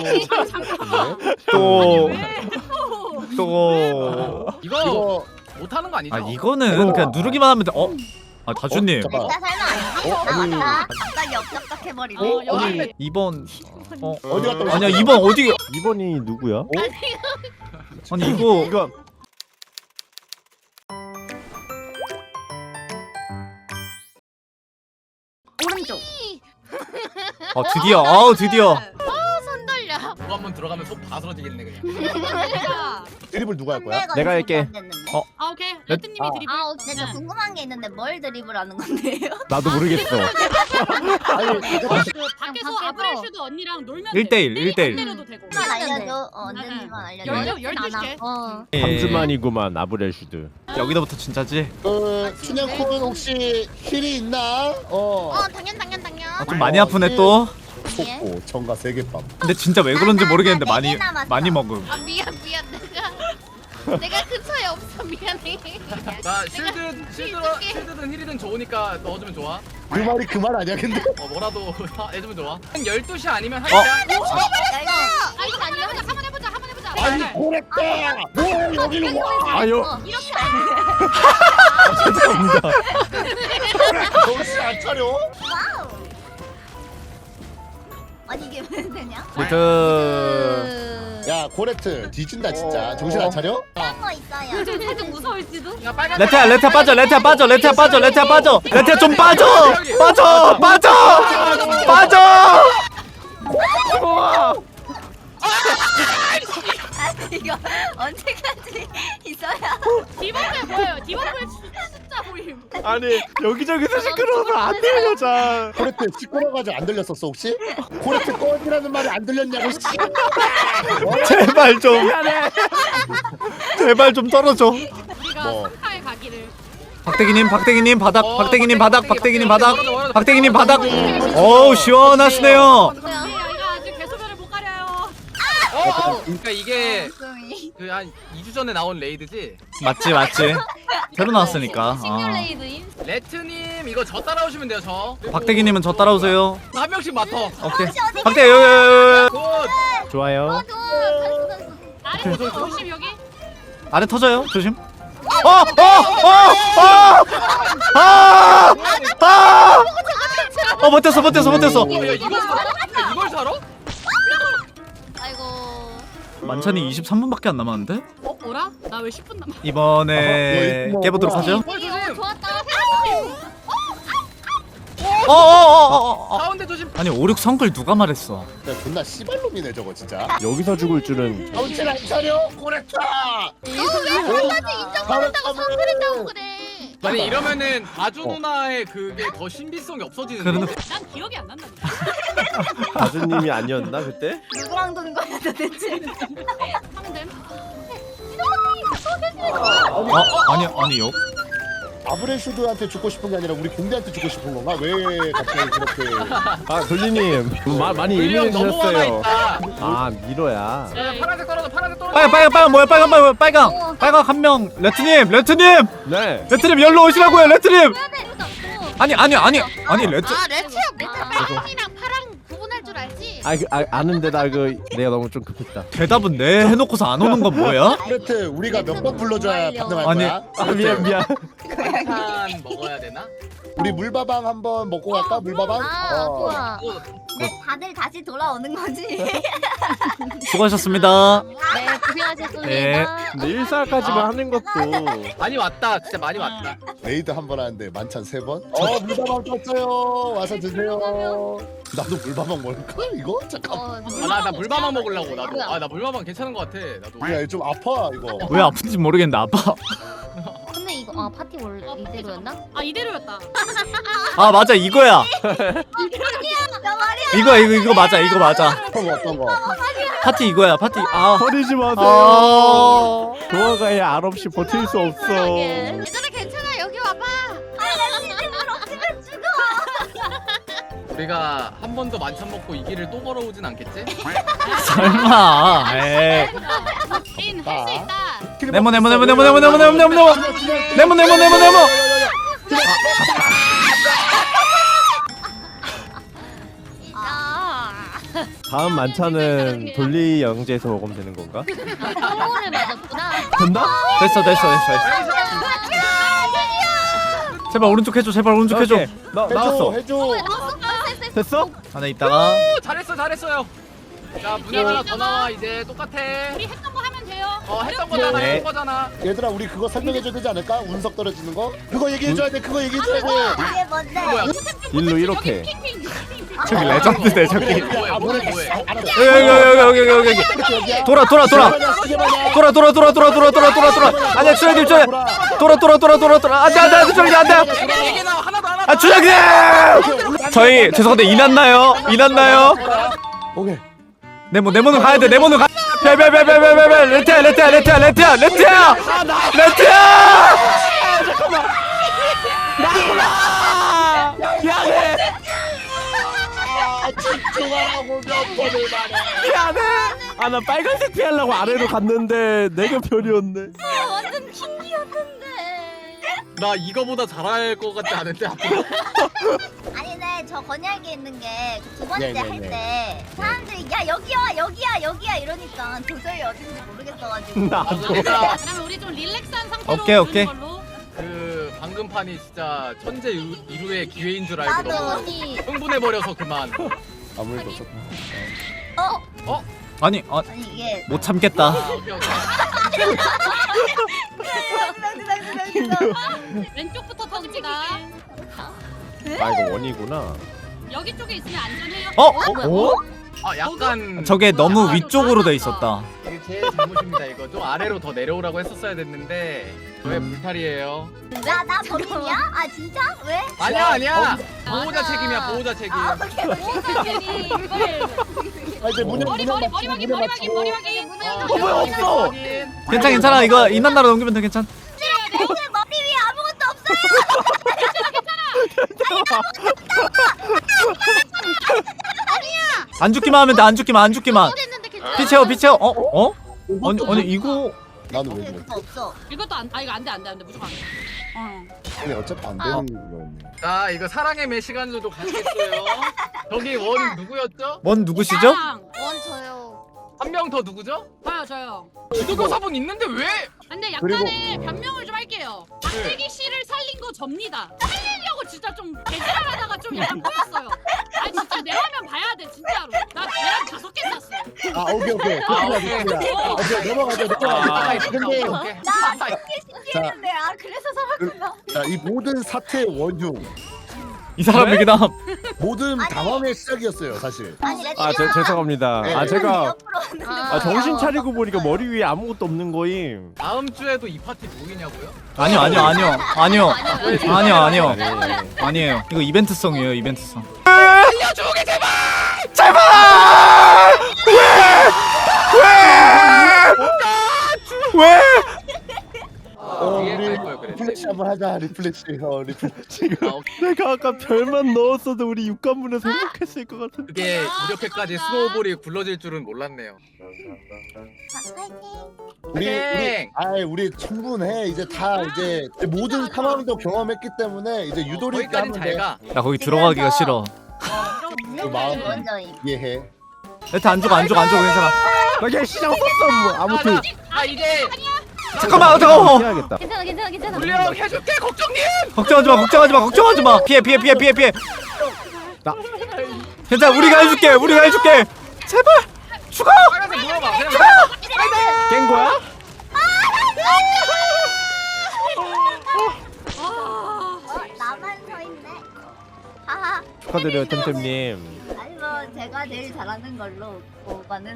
또 이거 못하는 거 아니죠? 아 이거는 그냥 누르기만 하면 돼. 다주님 잠깐. 나 설마 나 왔다. 갑자기 업적적해버리네. 여기 2번 어디 갔다 오셨어요? 아니야 2번 어디 2번이 누구야? 아니 이거 이거 오른쪽. 드디어 손 돌려. 그거 한번 들어가면 속 다 쓰러지겠네 그냥. 드리블 누가 할 거야? 내가 할게. 아 오케이. 레트님이 드리블. 아, 근데 저 궁금한 게 있는데 뭘 드리블하는 건데요? 나도 모르겠어. 아니 그 밖에서 밖에서. 아브렐슈드 언니랑 놀면 1대1 안 1대1 때려도 되고. 만 알려줘. 언제지만 알려줘. 12시게. 3주만이구만 아브렐슈드. 여기서부터 진짜지? 춘향콘 혹시 힐이 있나? 당연. 좀 많이 아프네 또. 속고 정가 3개밥. 근데 진짜 왜 그런지 모르겠는데 나 4개 남았어. 많이 먹음. 아 미안 내가 근처에 없어 미안해. 나 실드든 힐이든 좋으니까 넣어주면 좋아. 그 말이 그 말 아니야 근데? 뭐라도 해주면 좋아. 12시 아니면 1시야. 아니 한번 해보자. 아니 고랬다! 뭐 여기는 와! 아유. 이렇게 정신 안 차려? 와우. 아니 이게 왜 되냐? 야 고레트 뒤진다 진짜 정신 안 차려? 그런 거 있어요. 살짝 무서울지도. 야 빨간. 레트야 빠져 레트야 좀 빠져 아니 이거 언제까지 있어야? 디버프에 뭐예요? 디버프에 숫자 보임. 아니 여기저기서 시끄러워서 안 들려 잘. 고레트 시끄러워가지고 안 들렸었어 혹시? 고레트 꺼지라는 말이 안 들렸냐고 씨. 제발 좀 떨어져. 우리가 뭐. 상카에 가기를. 박대기님 바닥 박대기님 바닥. 어우 시원하시네요. 이거 아직 배소변을 못 가려요. 그러니까 이게 그 한 2주 전에 나온 레이드지. 맞지 새로 나왔으니까. 시뮬레이드인. 레트님 이거 저 따라오시면 돼요 저. 박대기님은 저 따라오세요. 한 명씩 맡어. 오케이 박대기 여기 굿. 좋아요. 아래 조심 여기. 아래 터져요 조심. 버텼어. 야 이걸 사러? 아이고. 만찬이 23분밖에 안 남았는데? 뭐라? 나 왜 10분 남았? 이번에 깨보도록 하죠. 이거 좋았다. 가운데 조심. 아니 5, 6 성글 누가 말했어? 야 존나 씨발놈이네 저거 진짜. 여기서 죽을 줄은. 정신 안 차려? 고레트! 인정받는다고 성그랬다고 그래. 아니 이러면은 아주 누나의 그게 더 신비성이 없어지는데. 그러는 난 기억이 안 난다. 가수님이 아니었나 그때? 누구랑 도는 거야 도대체? 하면 됨. 아니요. 아브레슈드한테 죽고 싶은 게 아니라 우리 공대한테 죽고 싶은 건가? 왜 갑자기 그렇게? 아 돌리님 많이 물량 너무 많아 예민해지셨어요. 있다. 아 미로야. 야, 파란색 떨어져 파란색 떨어져. 빨강 뭐야 빨강 한 명. 레트님 네. 열로 오시라고요 레트님. 아니 레트. 레트야 빨강이랑 파랑 구분할 줄 알지? 아는데 내가 너무 좀 급했다. 대답은 네 해놓고서 안 오는 건 뭐야? 고레트 우리가 몇 번 불러줘야 반응할 아니, 거야? 아 미안. 한판 먹어야 되나? 우리 물밥왕 한번 먹고 갈까? 물밥왕? 좋아. 또 근데 다들 다시 돌아오는 거지? 수고하셨습니다. 네 고생하셨습니다. 네. 근데 1사까지만 하는 것도. 많이 왔다. 진짜 많이 왔다. 레이드 한 번 하는데 만찬 3번? 물밥왕 떴어요. 와서 드세요. 나도 물밥왕 먹을까? 이거? 잠깐만. 나 물밥만 먹으려고 나도. 나 물밥만 괜찮은 것 같아. 나도. 야, 좀 아파 이거. 왜 아픈지 모르겠는데 아파. 근데 이거 파티 원래 이대로였나? 아 이대로였다. 아 맞아 이거야. 이거 맞아. 어떤 거 어떤 거? 파티 이거야 파티. 버리지 마세요. 아. 도화가의 알 없이 버틸 수 없어. 얘들아 괜찮아 여기 와봐. 우리가 한 번 더 만찬 먹고 이 길을 또 걸어오진 않겠지? 설마. 에이. 할수 있다. 네모. 다음 만찬은 돌리 영재에서 먹으면 되는 건가? 성공을 맞았구나. 된다? 됐어. 제발 오른쪽 해줘. 제발 오른쪽 해줘. 오케이. 나왔어. 해줘. 됐어? 안에 있다가 오, 잘했어요. 자 문양 하나 더 나와 이제 똑같아. 우리 했던 거 하면 돼요. 했던 거잖아 네. 했던 거잖아. 얘들아 우리 그거 설명해줘야 되지 않을까? 운석 떨어지는 거? 그거 얘기해줘야 돼. 그거 얘기해줘야 돼. 이게 뭔데? 뭐야? 일로 이렇게. 저기 레전드네 저기. 뭐야? 뭐해? 여기. 돌아. 아니야 주장님 돌아. 안돼 주장님 안돼. 이게 나 하나도 안 아 주장님. 저희 죄송한데 인났나요? 오케이. 네모는 가야 돼. 네모는 가. 레트야. 미안해. 아 나 빨간색 피하려고 아래로 갔는데 내가 별이었네. 완전 킹이었는데. 나 이거보다 잘할 것 같지 않은데 앞으로. 아니네 저 건약에 있는 게 두 번째 네, 할 때 사람들이 야 여기야 이러니까 도저히 어딘지 모르겠어가지고 나도. 내가 그러면 우리 좀 릴렉스한 상태로 오케이. 오는 걸로. 그 방금 판이 진짜 천재 이루의 기회인 줄 알고 나도. 너무 흥분해버려서 그만. 아무 일도 없어. 아니 아니 이게 못 참겠다. 오케이. 왼쪽부터 터집니다. 아 이거 원이구나. 여기 쪽에 있으면 안전해요. 어? 약간 저게 너무 위쪽으로 돼 있었다. 이게 제 잘못입니다. 이거 좀 아래로 더 내려오라고 했었어야 됐는데 왜 불탈이에요? 나 범인이야? 아 진짜? 왜? 아니야. 보호자 맞아. 책임이야 보호자 책임. 보호자들이 이걸 아 이제 문양 머리 확인. 뭐야 없어. 괜찮아. 이거 인난나라 넘기면 돼. 괜찮. 오늘 머리 위에 아무것도 없어요. 안 죽기만 하면 돼. 안 죽기만. 됐는데 괜찮아. 피 채워. 어? 아니 이거 나는 왜 오케이 그래? 그거 없어. 이것도 이거 안 돼. 무조건 안 돼. 아니 어차피 안 되는 거였네. 자 이거 사랑의 매 시간으로도 가겠어요. 저기 원 누구였죠? 뭔 누구시죠? 원 저요. 한 명 더 누구죠? 저요. 지도교사분 있는데 왜? 근데 약간의 변명을 좀 할게요. 박대기 씨를 살린 거 접니다. 살리려고 진짜 좀 개지랄하다가 좀 약간 꼬였어요. 아니 진짜 내 화면 봐야 돼 진짜로. 나 계란 5개 샀어. 아 오케이. 오케이 넘어가자. 아, 근데 오케이. 나 이게 신기했는데 아 그래서 살았구나. 자이 모든 사태의 원흉, 이 사람 얘기다. 모든 당황의 시작이었어요 사실. 아니 죄송합니다. 네. 아 제가 아, 정신 차리고 보니까 머리 위에 아무것도 없는 거임. 다음 주에도 이 파티 모이냐고요? 아니요. 네. 아니에요. 이거 이벤트성이에요. 이벤트성. 알려주게 제발! 왜? 뒤에 우리 갈 거예요, 그래. 리플렉시 한번 하자. 리플렉시. 지금 아, 내가 아까 별만 넣었어도 우리 육관문에서 행복했을 것 같은데. 그게 이렇게까지 스노우볼이 굴러질 줄은 몰랐네요. 우리 충분해. 이제 다 이제 모든 상황도 경험했기 때문에 이제 유도리 있게 거기까진 하면 잘 돼. 가. 나 거기 들어가기가 싫어. 그 마음 먼저 이해해. 레트 안 죽어 괜찮아. 그냥 시장 썼어 뭐 아무튼. 이제 잠깐만. 해야겠다. 괜찮아. 물량 해줄게 걱정님. 걱정하지 마. 피해. 나- 괜찮아. 우리가 해줄게. 제발 죽어. 빨간색 물어봐. 그냥 깬 거야? 나만 서 있네. 하하. 축하드려요 템템님. 아니 뭐 제가 제일 잘하는 걸로 오빠는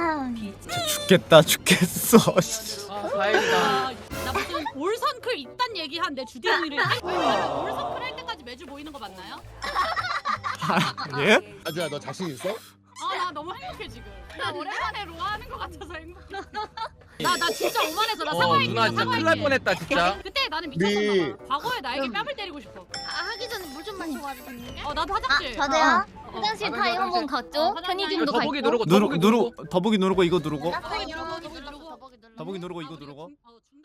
죽겠어. 다행이다. 나 무슨 올선클 있단 얘기 한내 주댕이를 올선클 할 때까지 매주 모이는 거 맞나요? 예? 아주야 너 자신 있어? 나 너무 행복해 지금. 나 오랜만에 로아 하는 거 같아서 행복해. 나 진짜 오만해서 나 사과할게. 누나 진짜 큰일 날 뻔했다 진짜. 그때 나는 우리- 미쳤었나 봐. 과거에 나에게 뺨을 때리고 싶어. 하기 전에 물 좀 마시고 와도 되는데? 나도 화장실. 저도요. 화장실 아, 타임 한번 갔죠? 편의점도 가 더보기 있고. 누르고 더보기 누르고 이거 누르고. 더보기 누르고 더보기 누르고 이거 누르고. 어,